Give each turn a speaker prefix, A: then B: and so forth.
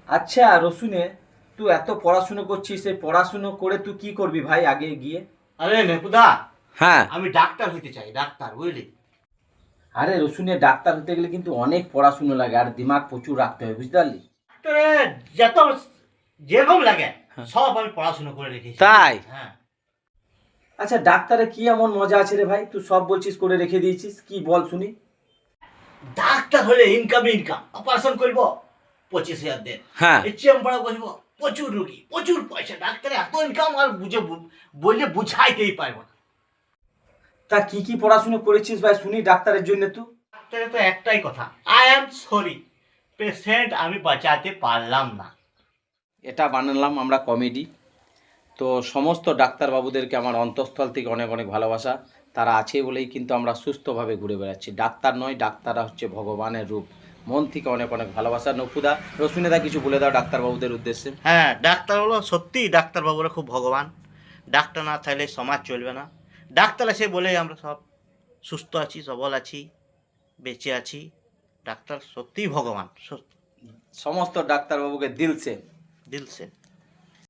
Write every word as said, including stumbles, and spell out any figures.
A: আচ্ছা রসুনে, তুই এত পড়াশুনো করছিস, এই পড়াশুনো করে তুই কি করবি ভাই আগে গিয়ে?
B: আরে নেপুদা,
A: হ্যাঁ।
B: আমি ডাক্তার হইতে চাই, ডাক্তার, বুঝলি?
A: আরে রসুনে, ডাক্তার হতে গেলে কিন্তু অনেক পড়াশুনো লাগে আর দিমাগ প্রচুর রাখতে হয়, বুঝতে পারলি?
B: ডাক্তারে যত যেরকম লাগে সব আমি পড়াশোনা করে রেখেছি।
A: তাই?
B: হ্যাঁ।
A: আচ্ছা ডাক্তারে কি এমন মজা আছে রে ভাই, তুই সব বলছিস করে রেখে দিয়েছিস, কি বল শুনি।
B: ডাক্তার হলে ইনকাম ইনকাম অপারেশন করব পঁচিশ হাজার দেন।
A: হ্যাঁ।
B: এই চেম্বারে বসবো, প্রচুর রুগী, প্রচুর পয়সা, ডাক্তারে এত ইনকাম আর বুঝে বললে বুঝাইতেই পারবো না।
A: তা কি কি পড়াশুনো করেছিস ভাই শুনি ডাক্তারের জন্য তুই?
B: ডাক্তারে তো একটাই কথা, আই এম সরি, পেশেন্ট আমি বাঁচাতে পারলাম না।
A: এটা বানালাম আমরা কমেডি। তো সমস্ত ডাক্তারবাবুদেরকে আমার অন্তঃস্থল থেকে অনেক অনেক ভালোবাসা। তারা আছে বলেই কিন্তু আমরা সুস্থভাবে ঘুরে বেড়াচ্ছি। ডাক্তার নয়, ডাক্তাররা হচ্ছে ভগবানের রূপ। মন থেকে অনেক অনেক ভালোবাসা। নকুদা, রসুনেদা কিছু বলে দাও ডাক্তারবাবুদের উদ্দেশ্যে।
B: হ্যাঁ, ডাক্তার হলো সত্যি, ডাক্তারবাবুরা খুব ভগবান। ডাক্তার না থাকলে সমাজ চলবে না। ডাক্তার আছে বলেই আমরা সব সুস্থ আছি, সবল আছি, বেঁচে আছি। ডাক্তার সত্যিই ভগবান, সত্যি
A: সমস্ত ডাক্তারবাবুকে দিল সে
B: দিল সে